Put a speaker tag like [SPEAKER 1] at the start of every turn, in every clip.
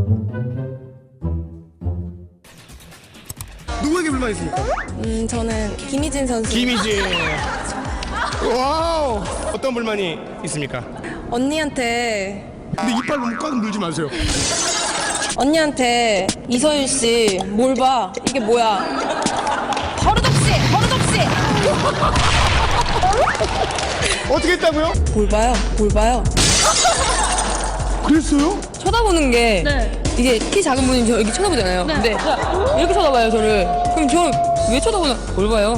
[SPEAKER 1] 누구에게 불만 있습니까?
[SPEAKER 2] 저는 김희진 선수.
[SPEAKER 1] 김희진. 와우. 어떤 불만이 있습니까?
[SPEAKER 2] 언니한테
[SPEAKER 1] 근데 이빨 너무 꽉 물지 마세요.
[SPEAKER 2] 언니한테 이서윤 씨 뭘 봐? 이게 뭐야? 버릇없이 버릇없이.
[SPEAKER 1] 어떻게 했다고요?
[SPEAKER 2] 뭘 봐요? 뭘 봐요?
[SPEAKER 1] 그랬어요?
[SPEAKER 2] 쳐다보는 게 이게 키 작은 분이 저 이렇게 쳐다보잖아요. 근데 이렇게 쳐다봐요 저를. 그럼 저 왜 쳐다보나? 뭘 봐요?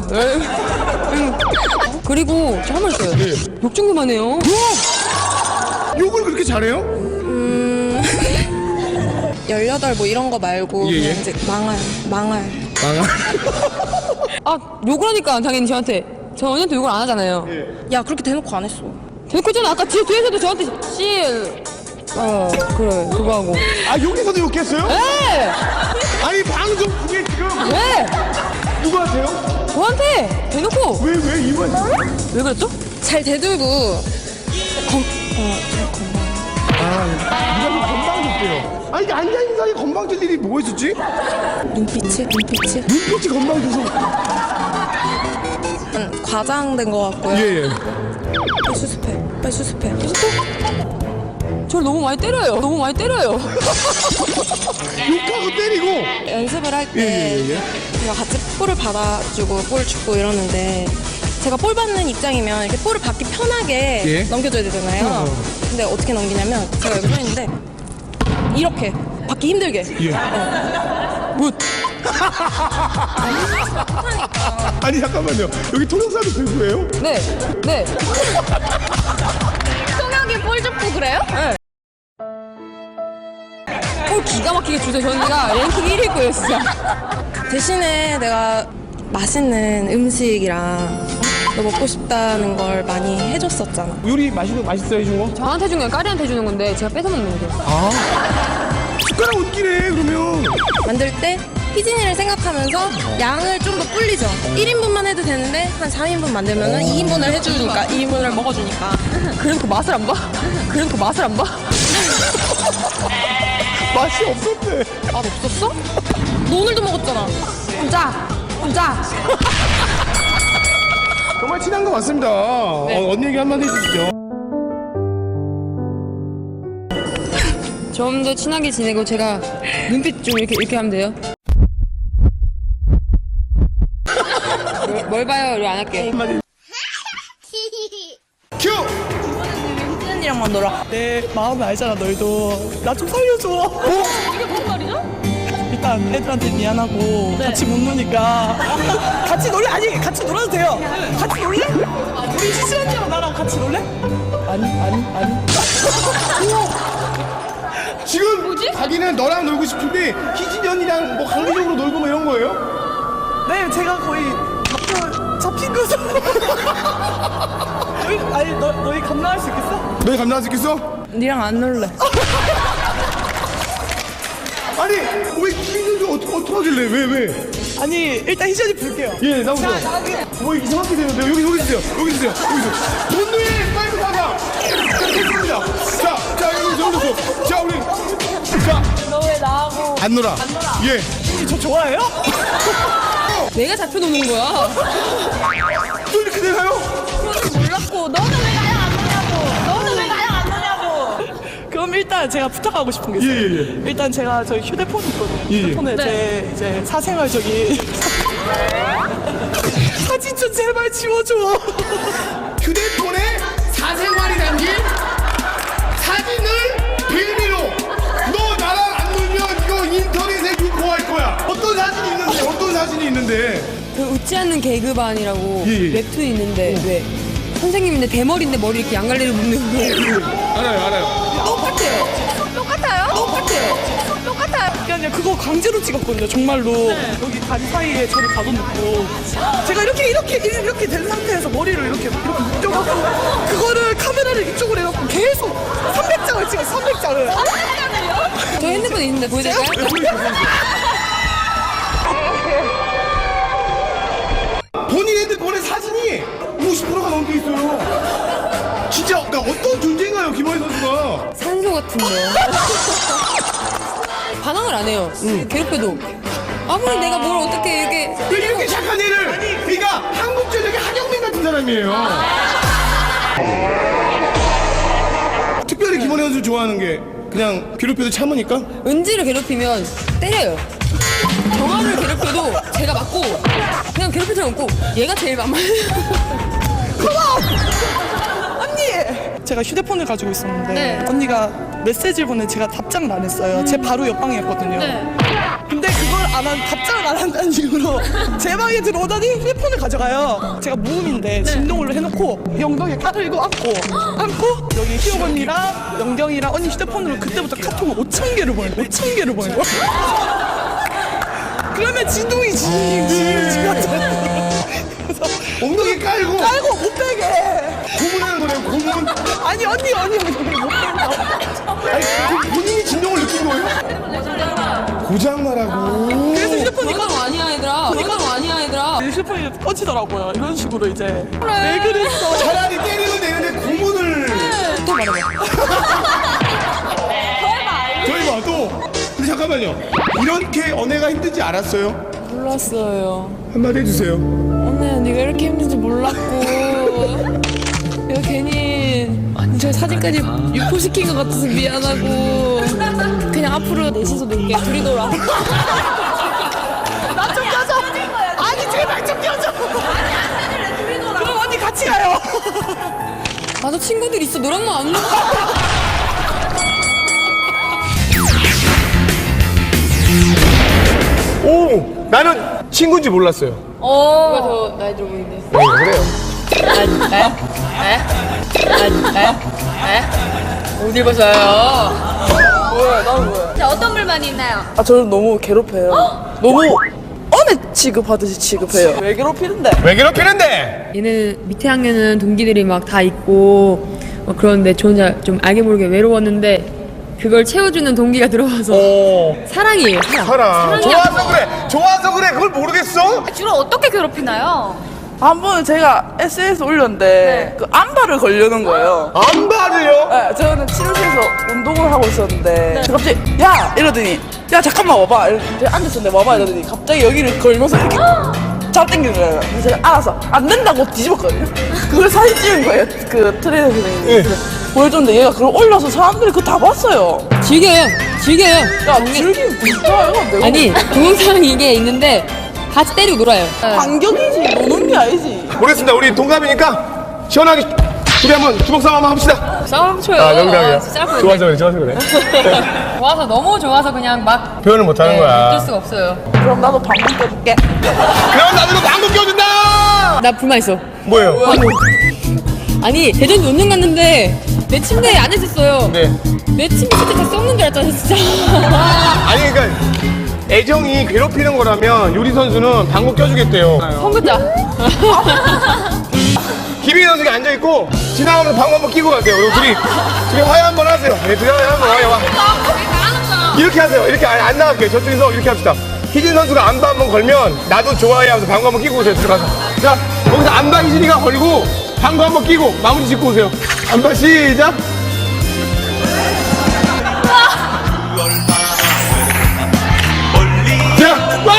[SPEAKER 2] 그리고 저 한 말 있어요.
[SPEAKER 1] 네.
[SPEAKER 2] 욕 좀 그만해요.
[SPEAKER 1] 욕을 그렇게 잘해요?
[SPEAKER 2] 18 뭐 이런 거 말고
[SPEAKER 1] 예, 예.
[SPEAKER 2] 그냥 이제 망할.
[SPEAKER 1] 망아.
[SPEAKER 2] 아 욕을 하니까 당연히 저한테. 저 언니한테 욕을 안 하잖아요.
[SPEAKER 1] 예.
[SPEAKER 2] 야 그렇게 대놓고 안 했어. 대놓고 했잖아. 아까 뒤에서도 저한테 그래 그거 하고.
[SPEAKER 1] 아 여기서도 욕했어요?
[SPEAKER 2] 네!
[SPEAKER 1] 아니 방송 중에 지금
[SPEAKER 2] 왜?
[SPEAKER 1] 누구한테요?
[SPEAKER 2] 저한테 대놓고.
[SPEAKER 1] 왜 이번?
[SPEAKER 2] 왜 그랬죠? 잘 대들고
[SPEAKER 1] 무조건 건방 졌대요. 아니 앉아 있는 사이에 건방 질 일이 뭐가 있었지?
[SPEAKER 2] 눈빛이
[SPEAKER 1] 눈빛이 건방 져서.
[SPEAKER 2] 과장된 것 같고요.
[SPEAKER 1] 예예.
[SPEAKER 2] 빨리 수습해. 저를 너무 많이 때려요.
[SPEAKER 1] 욕하고 때리고.
[SPEAKER 2] 연습을 할 때
[SPEAKER 1] 예.
[SPEAKER 2] 제가 같이 볼을 받아주고 볼 줍고 이러는데 제가 볼 받는 입장이면 이렇게 볼을 받기 편하게
[SPEAKER 1] 예.
[SPEAKER 2] 넘겨줘야 되잖아요. 근데 어떻게 넘기냐면 제가 여기 서 있는데 이렇게 받기 힘들게.
[SPEAKER 1] 예. 아니 잠깐만요. 여기 통역사도 배우예요?
[SPEAKER 2] 네. 통역이 볼 줍고 그래요? 네. 볼 기가 막히게 주세요. 저희가 랭킹 1위일 거예요, 진짜. 대신에 내가 맛있는 음식이랑 너 먹고 싶다는 걸 많이 해줬었잖아.
[SPEAKER 1] 요리 맛있어 해준 거?
[SPEAKER 2] 저한테 주는 건 까리한테 주는 건데 제가 뺏어 먹는 거죠.
[SPEAKER 1] 숟가락 웃기네 그러면.
[SPEAKER 2] 만들 때 희진이를 생각하면서 양을 좀 더 불리죠. 1인분만 해도 되는데 한 3인분 만들면은 2인분을 해주니까 2인분을 먹어주니까. 그래서 그 맛을 안 봐?
[SPEAKER 1] 맛이 없었대.
[SPEAKER 2] 맛 없었어? 너 오늘도 먹었잖아. 혼자.
[SPEAKER 1] 정말 친한 것 같습니다.
[SPEAKER 2] 네.
[SPEAKER 1] 언니 얘기 한마디 해주시죠.
[SPEAKER 2] 좀 더 친하게 지내고 제가 눈빛 좀 이렇게 하면 돼요. 뭘 봐요? 이거 안 할게.
[SPEAKER 1] 한마디. 큐!
[SPEAKER 2] 희진이랑만 놀아.
[SPEAKER 3] 내 마음을 알잖아 너희도. 나 좀 살려줘.
[SPEAKER 2] 이게 무슨 말이죠?
[SPEAKER 3] 일단 애들한테 미안하고 같이 못 노니까 같이 놀래? 아니 같이 놀아도 돼요. 같이 놀래? 우리 희진 언니랑 나랑 같이 놀래? 아니.
[SPEAKER 1] 지금 자기는 너랑 놀고 싶은데 희진이 언니랑 뭐 강제적으로 놀고 뭐 이런 거예요?
[SPEAKER 3] 네, 제가 거의 잡힌 거죠. 아니 너희 감당할 수 있겠어?
[SPEAKER 1] 너희 감당할 수 있겠어?
[SPEAKER 2] 니랑 안 놀래.
[SPEAKER 1] 아니 왜 희진이 어떻게 하길래 왜?
[SPEAKER 3] 아니 일단 희진 언니 부를게요.
[SPEAKER 1] 예 나오세요. 뭐 이상하게 되는데요. 여기 있으세요. 본노예 파이브 사자. 됐습니다. 자 여기 오세요. 자 우리
[SPEAKER 3] 너 왜 나하고
[SPEAKER 1] 안 놀아. 예.
[SPEAKER 3] 저 좋아해요?
[SPEAKER 2] 내가 잡혀놓는 거야.
[SPEAKER 1] 또 이렇게 되나요?
[SPEAKER 2] 몰랐고 너는 왜 나랑 안 노냐고.
[SPEAKER 3] 그럼 일단 제가 부탁하고 싶은 게 있어요.
[SPEAKER 1] 예.
[SPEAKER 3] 일단 제가 저희 휴대폰이 있거든요.
[SPEAKER 1] 예.
[SPEAKER 3] 휴대폰에 제 이제 사생활적인 사진 좀 제발 지워줘.
[SPEAKER 1] 휴대폰에 사생활이 담긴 사진을 빌미로 너 나랑 안 놀면 이거 인터넷에 유포할 거야. 어떤 사진이 있는데
[SPEAKER 2] 그 웃지 않는 개그반이라고
[SPEAKER 1] 예.
[SPEAKER 2] 웹툰이 있는데 왜 선생님인데 대머리인데 머리 이렇게 양갈래로 묶는 거.
[SPEAKER 1] 알아요.
[SPEAKER 3] 그게 아니라 그거 강제로 찍었거든요. 정말로 여기 다리 사이에 저를 가둬놓고 제가 이렇게 된 상태에서 머리를 이렇게 묶여갖고 그거를 카메라를 이쪽으로 해갖고 계속 300장을 찍었어요. 300장을.
[SPEAKER 2] 저 핸드폰 있는데 보여드릴까요?
[SPEAKER 1] 본인 핸드폰에 사진이 50%가 넘게 있어요. 진짜 그러니까 어떤 존재인가요, 김원희 선수가?
[SPEAKER 2] 산소 같은데. 반항을 안 해요. 괴롭혀도. 아무리 내가 뭘 어떻게
[SPEAKER 1] 이렇게 착한 애를 그러니까 한국 전역의 한영민 같은 사람이에요. 특별히 김원희 선수 좋아하는 게 그냥 괴롭혀도 참으니까?
[SPEAKER 2] 은지를 괴롭히면 때려요. 정화를 괴롭혀도 제가 맞고 그냥 괴롭힐 사람 없고 얘가 제일 만만해요.
[SPEAKER 3] 언니! 제가 휴대폰을 가지고 있었는데
[SPEAKER 2] 네.
[SPEAKER 3] 언니가 메시지를 보내 제가 답장을 안 했어요. 제 바로 옆방이었거든요. 근데 그걸 답장을 안 한다는 이유로 제 방에 들어오더니 휴대폰을 가져가요. 제가 무음인데 진동을 해놓고 영덕에 칼을 이고 안고 여기 희영 언니랑 영경이랑 언니 휴대폰으로 그때부터 카톡을 5,000개를 보내고 5,000개를 보내고 그러면 진동이 그래서
[SPEAKER 1] 엉덩이 깔고
[SPEAKER 3] 못 빼게
[SPEAKER 1] 고문하는 거네요. 고문.
[SPEAKER 3] 아니 언니 못 뺀다.
[SPEAKER 1] 아니 본인이 진동을 느낀 거예요? 고장나라고.
[SPEAKER 3] 그래서 휴대폰이
[SPEAKER 2] 그런 거 아니야 얘들아. 그런 거 아니야 얘들아.
[SPEAKER 3] 휴대폰이 꺼지더라고요. 이런 식으로 이제 왜 그랬어?
[SPEAKER 1] 차라리 때리면 되는데 고문을.
[SPEAKER 2] 또 말해봐.
[SPEAKER 1] 저희 봐 또. 근데 잠깐만요. 이렇게 연애가 힘든지 알았어요?
[SPEAKER 2] 몰랐어요.
[SPEAKER 1] 한마디 해주세요.
[SPEAKER 2] 네가 이렇게 힘든지 몰랐고 내가 괜히 저 사진까지 유포시킨 것 같아서 미안하고 그냥 앞으로 넷이서 놀게. 둘이 놀아.
[SPEAKER 3] 나 좀 껴줘. 아니 제발 좀 껴줘. 그럼 언니 같이 가요.
[SPEAKER 2] 나도 친구들 있어. 너랑 안 놀아.
[SPEAKER 1] 오, 나는 친구인지 몰랐어요.
[SPEAKER 2] 누가 더 나이 들어 보이는데?
[SPEAKER 1] 그래요.
[SPEAKER 2] 어딜 벗어요?
[SPEAKER 4] 자, 어떤 불만이 있나요?
[SPEAKER 3] 아 저를 너무 괴롭혀요. 너무 언해 취급하듯이 취급해요. 왜 괴롭히는데?
[SPEAKER 1] 왜 괴롭히는데?
[SPEAKER 5] 얘는 밑에 학년은 동기들이 막 다 있고 그런데 저 혼자 좀 알게 모르게 외로웠는데 그걸 채워주는 동기가 들어와서 사랑이에요.
[SPEAKER 1] 사랑. 좋아서 그래. 그걸 모르겠어?
[SPEAKER 4] 주로 어떻게 괴롭히나요?
[SPEAKER 3] 한 번은 제가 SNS 올렸는데 그 안발을 걸려는 거예요.
[SPEAKER 1] 안발을요?
[SPEAKER 3] 네, 저는 치료실에서 운동을 하고 있었는데 갑자기 야! 이러더니 야 잠깐만 와봐. 이렇게 앉았었는데 와봐 이러더니 갑자기 여기를 걸면서 이렇게 잡당기는 거예요. 그래서 제가 알아서 안 된다고 뒤집었거든요. 그걸 사진 찍은 거예요. 그 트레이너 선생님이. 보여줬는데 얘가 그걸 올려서 사람들이 그거 다 봤어요.
[SPEAKER 5] 즐겨요.
[SPEAKER 3] 야 즐기면 진짜요? 내가
[SPEAKER 5] 아니 동영상 이게 있는데 같이 때리고 놀아요.
[SPEAKER 3] 반격이지 노는 게 아니지.
[SPEAKER 1] 모르겠습니다. 우리 동갑이니까 시원하게 우리 한번 주먹 싸움 한번 합시다.
[SPEAKER 5] 싸움 쳐요.
[SPEAKER 1] 농담이야.
[SPEAKER 5] 진짜 할
[SPEAKER 1] 좋아서 그래.
[SPEAKER 5] 좋아서 너무 좋아서 그냥 막
[SPEAKER 1] 표현을 못하는 거야.
[SPEAKER 5] 어쩔 수가 없어요.
[SPEAKER 3] 그럼 나도 방금 껴줄게.
[SPEAKER 1] 그럼 나도 방금 껴준다.
[SPEAKER 5] 나 불만 있어.
[SPEAKER 1] 뭐예요?
[SPEAKER 5] 아니 대전 논문 갔는데 내 침대에 안 있었어요.
[SPEAKER 1] 네.
[SPEAKER 5] 내 침대 진짜 다 썩는 줄 알았잖아 진짜.
[SPEAKER 1] 아니 그러니까 애정이 괴롭히는 거라면 요리 선수는 방구 껴주겠대요.
[SPEAKER 5] 선긋자.
[SPEAKER 1] 김희애 선수가 앉아 있고 지나가면서 방구 한번 끼고 가세요. 그리고 둘이 화해 한번 하세요. 네, 둘이 화해 한번 와. 이렇게 하세요. 이렇게 안 나갈게요. 저쪽에서 이렇게 합시다. 희진 선수가 안바 한번 걸면 나도 좋아해 하면서 방구 한번 끼고 오세요. 들어가서. 자, 거기서 안바 희진이가 걸고 방구 한번 끼고 마무리 짓고 오세요. 안바 시작. 자, 와!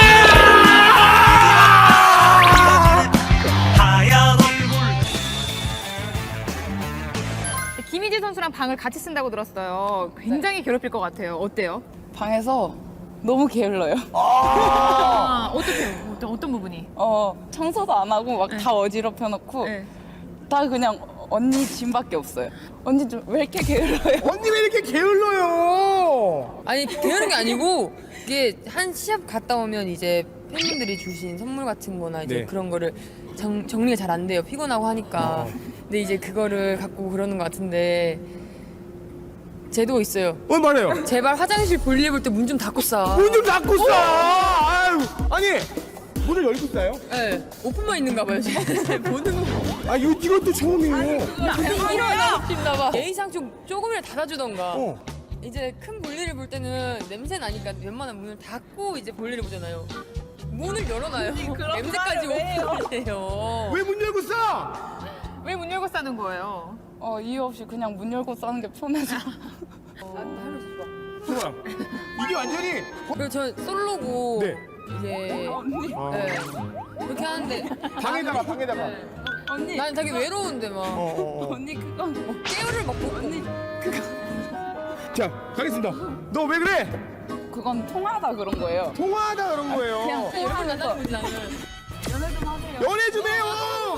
[SPEAKER 4] 김희재 선수랑 방을 같이 쓴다고 들었어요. 굉장히 괴롭힐 것 같아요. 어때요?
[SPEAKER 6] 방에서 너무 게을러요.
[SPEAKER 4] 아, 어떻게요? 어떤 부분이?
[SPEAKER 6] 청소도 안 하고 막 다 어지럽혀 놓고
[SPEAKER 4] 네.
[SPEAKER 6] 다 그냥 언니 짐밖에 없어요. 언니 좀 왜 이렇게 게을러요?
[SPEAKER 1] 언니 왜 이렇게 게을러요?
[SPEAKER 5] 아니 게으른 게 아니고 이게 한 시합 갔다 오면 이제 팬분들이 주신 선물 같은 거나 이제
[SPEAKER 1] 네.
[SPEAKER 5] 그런 거를 정리가 잘 안 돼요. 피곤하고 하니까. 근데 이제 그거를 갖고 그러는 것 같은데 제도 있어요.
[SPEAKER 1] 말해요.
[SPEAKER 5] 제발 화장실 볼일 볼 때 문 좀 닫고 싸.
[SPEAKER 1] 문 좀 닫고 싸. 아유, 아니 문을 열고 싸요?
[SPEAKER 5] 네, 오픈만 있는가 봐요. 지금. 보는 거.
[SPEAKER 1] 아, 이것도 처음이에요.
[SPEAKER 5] 일어나 봐. 예의상 좀 조금이라도 닫아주던가.
[SPEAKER 1] 어.
[SPEAKER 5] 이제 큰 볼일을 볼 때는 냄새 나니까 웬만한 문을 닫고 이제 볼일을 보잖아요. 문을 열어놔요. 냄새까지 오픈해요.
[SPEAKER 1] 왜 문 열고 싸?
[SPEAKER 4] 왜 문 열고 싸는 거예요?
[SPEAKER 6] 이유 없이 그냥 문 열고 싸는 게 편해서.
[SPEAKER 1] 거야. 이게 완전히
[SPEAKER 5] 그리고 저 솔로고
[SPEAKER 1] 네.
[SPEAKER 5] 이제 네. 그렇게 하는데
[SPEAKER 1] 방에다가.
[SPEAKER 6] 언니
[SPEAKER 5] 난 되게 외로운데 막
[SPEAKER 6] 언니 그거
[SPEAKER 5] 깨우를 먹고 언니
[SPEAKER 1] 자, 가겠습니다. 너 왜 그래?
[SPEAKER 6] 그건 통하다 그런 거예요.
[SPEAKER 1] 통화하다 그런 거예요.
[SPEAKER 6] 그냥
[SPEAKER 5] 이렇게
[SPEAKER 6] 통하면서
[SPEAKER 5] 만나는 거지 나는.
[SPEAKER 1] 연애 좀 해요.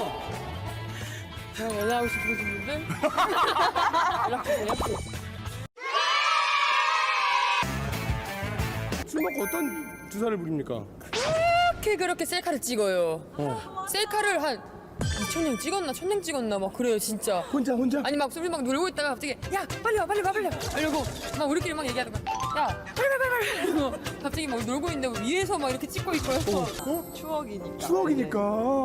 [SPEAKER 5] 그냥 연애하고 싶으신 분들 연락주세요.
[SPEAKER 1] 술 먹고 어떤 주사를 부립니까?
[SPEAKER 5] 그렇게 셀카를 찍어요. 셀카를 한 2,000장 찍었나 1,000장 찍었나 막 그래요 진짜.
[SPEAKER 1] 혼자.
[SPEAKER 5] 아니 막 우리 막 놀고 있다가 갑자기 야 빨리 와 이러고 막 우리끼리 막 얘기하는 거야. 야 빨리 이러고 갑자기 막 놀고 있는데 위에서 막 이렇게 찍고 있고요. 추억이니까.
[SPEAKER 1] 추억이니까.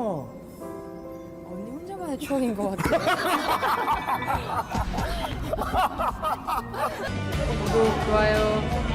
[SPEAKER 5] 언니 혼자만의 추억인 것 같아요. 구독 좋아요